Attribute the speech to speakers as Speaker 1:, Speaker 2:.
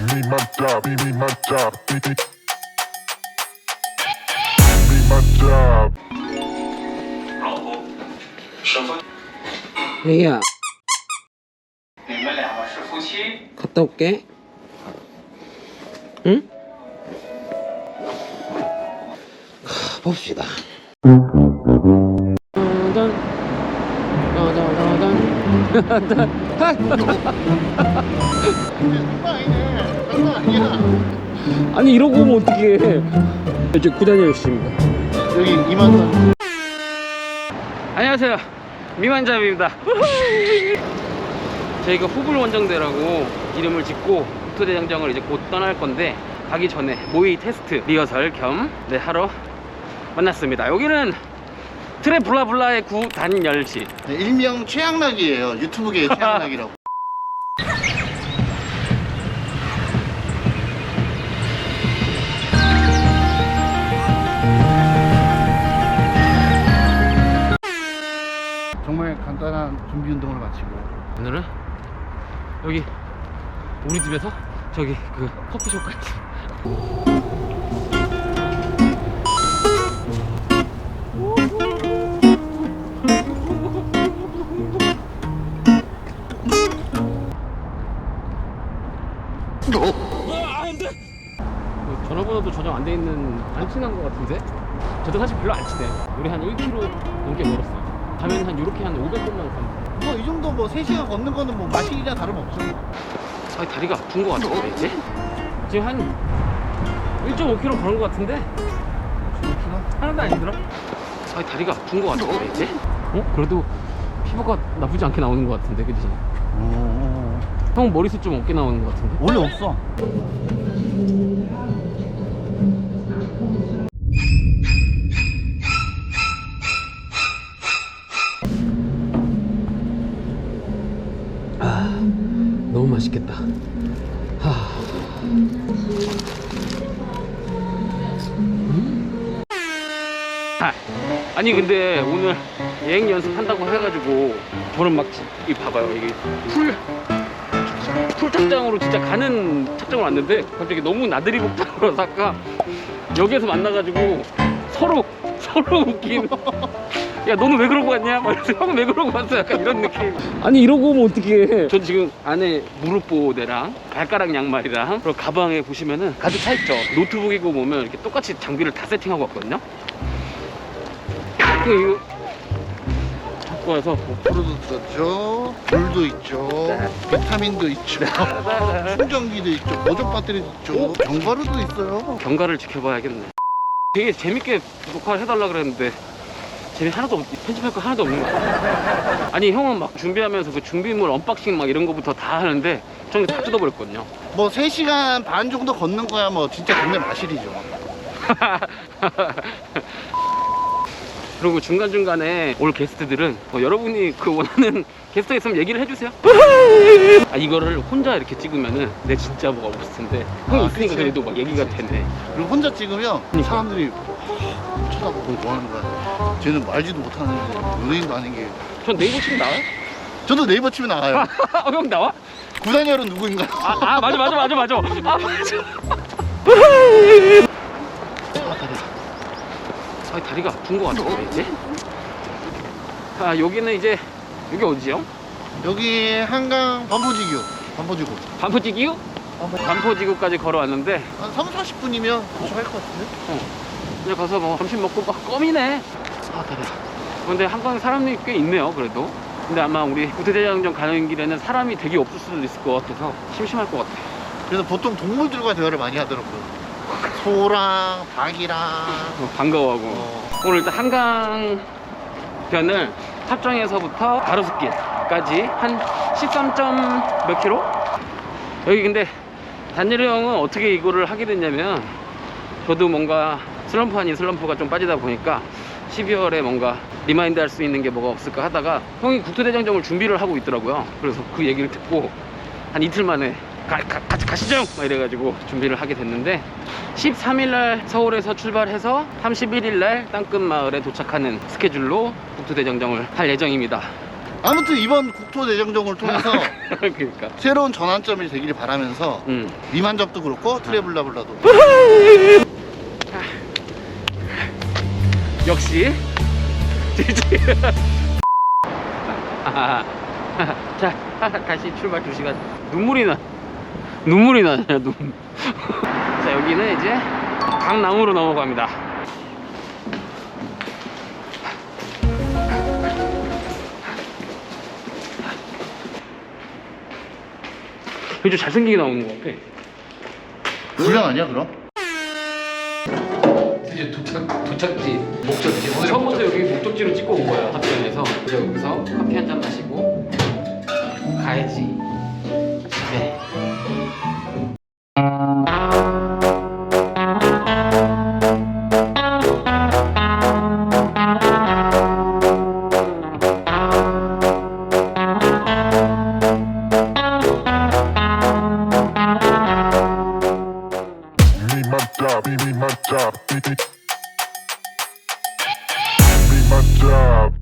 Speaker 1: me my job, me my job, me my job.
Speaker 2: 老婆，师傅，
Speaker 3: 애기야
Speaker 2: 你们两个是夫妻？
Speaker 3: 갔다 올게. 응? 봅시다. 아니 이러고 오면 어떡해. 이제 구단열 씨입니다.
Speaker 4: 여기 이만산.
Speaker 3: 안녕하세요, 미만잡입니다. 저희가 후불 원정대라고 이름을 짓고 국토대장정을 이제 곧 떠날 건데, 가기 전에 모의 테스트 리허설 겸 하러 만났습니다. 여기는 트레블라블라의 구단열시.
Speaker 4: 네, 일명 최양락이에요. 유튜브계의 최양락이라고. 정말 간단한 준비 운동을 마치고
Speaker 3: 오늘은 여기 우리 집에서 저기 그 커피숍까지. 전화번호도 저장 안 돼 있는, 안 친한 것 같은데? 저도 사실 별로 안 친해. 우리 한 1km 넘게 걸었어요. 가면 한 이렇게 한 500번만 가면.
Speaker 4: 뭐 이 정도 뭐 3시간 걷는 거는 뭐 마실이나 다름없죠.
Speaker 3: 아, 다리가 아픈 것 같은데 이제? 지금 한 1.5km 걸은 것 같은데? 하나도 안 힘들어? 아, 다리가 아픈 것 같은데 이제? 그래도 피부가 나쁘지 않게 나오는 것 같은데, 그치? 형 머리숱 좀 없게 나오는 것 같은데?
Speaker 4: 원래 없어.
Speaker 3: 너무 맛있겠다. 아니 근데 오늘 예행 연습한다고 해가지고 저는 막 이 봐봐요, 이게 풀 착장으로 진짜 가는 착장을 왔는데 갑자기 너무 나들이 복장으로 아까 여기에서 만나가지고 서로 웃긴. 야, 너는 왜 그러고 왔냐? 막 이러면서 형은 왜 그러고 왔어? 약간 이런 느낌. 아니 이러고 오면 어떡해. 전 지금 안에 무릎 보호대랑 발가락 양말이랑 그리고 가방에 보시면은 가득 차있죠. 노트북이고 보면 이렇게 똑같이 장비를 다 세팅하고 왔거든요. 이거 갖고 와서
Speaker 4: 프로도 있죠, 물도 있죠, 비타민도 있죠, 충전기도 있죠, 보조 배터리도 있죠, 견과류도 있어요.
Speaker 3: 경과를 지켜봐야겠네. 되게 재밌게 녹화를 해달라 그랬는데 하나도 편집할 거 하나도 없는 거 같아. 아니 형은 막 준비하면서 그 준비물 언박싱 막 이런 거부터 다 하는데 저는 다 뜯어버렸거든요.
Speaker 4: 뭐 3시간 반 정도 걷는 거야 뭐 진짜 동네 마실이죠.
Speaker 3: 그리고 중간중간에 올 게스트들은 여러분이 그 원하는 게스트 있으면 얘기를 해주세요. 아, 이거를 혼자 이렇게 찍으면은 내 진짜 뭐가 없을 텐데 형이 있으니까
Speaker 4: 그치.
Speaker 3: 그래도 막 얘기가 되네.
Speaker 4: 그리고 혼자 찍으면
Speaker 3: 그러니까.
Speaker 4: 사람들이 쳐다보고 뭐 하는 거야. 쟤는 말지도 못하는 연예인도 아닌 게.
Speaker 3: 전 네이버 치면 나와요?
Speaker 4: 저도 네이버 치면 나와요.
Speaker 3: 형 나와?
Speaker 4: 구단열은 누구인가요?
Speaker 3: 맞아. 아, 맞아. 아, 다리가 아픈 것 같은데 이제? 여기는 이제 여기 어디요?
Speaker 4: 여기 한강 반포지구.
Speaker 3: 반포지구? 반포지구까지 걸어왔는데
Speaker 4: 한 3, 40분이면 도착할 것 같은데?
Speaker 3: 이제 가서 뭐 점심 먹고 막 껌이네. 다리야. 근데 한강에 사람이 꽤 있네요, 그래도. 근데 아마 우리 국토대장정 가는 길에는 사람이 되게 없을 수도 있을 것 같아서 심심할 것 같아.
Speaker 4: 그래서 보통 동물들과 대화를 많이 하더라고요. 소랑 닭이랑.
Speaker 3: 반가워하고. 오늘 일단 한강변을 합정에서부터 가로수길까지 한 13점 몇 킬로? 여기 근데 단일이 형은 어떻게 이거를 하게 됐냐면, 저도 뭔가 슬럼프 아닌 슬럼프가 좀 빠지다 보니까 12월에 뭔가 리마인드 할 수 있는 게 뭐가 없을까 하다가 형이 국토대장정을 준비를 하고 있더라고요. 그래서 그 얘기를 듣고 한 이틀 만에 같이 가시죠! 막 이래가지고 준비를 하게 됐는데, 13일날 서울에서 출발해서 31일날 땅끝마을에 도착하는 스케줄로 국토대장정을 할 예정입니다.
Speaker 4: 아무튼 이번 국토대장정을 통해서
Speaker 3: 그러니까.
Speaker 4: 새로운 전환점이 되기를 바라면서 미만잡도 그렇고 트래블라블라도
Speaker 3: 역시 지지. 자, 다시 출발 2시간. 눈물이 나냐 눈. 자, 여기는 이제 강남으로 넘어갑니다. 좀 잘생기게 나오는 것 같아.
Speaker 4: 불량 아니야 그럼?
Speaker 3: 이제 도착지 목적지. 처음부터 여기 목적지로 찍고 온 거야 합천에서. 이제 여기서 커피 한 잔 마시고 가야지. 네.
Speaker 1: Be my job.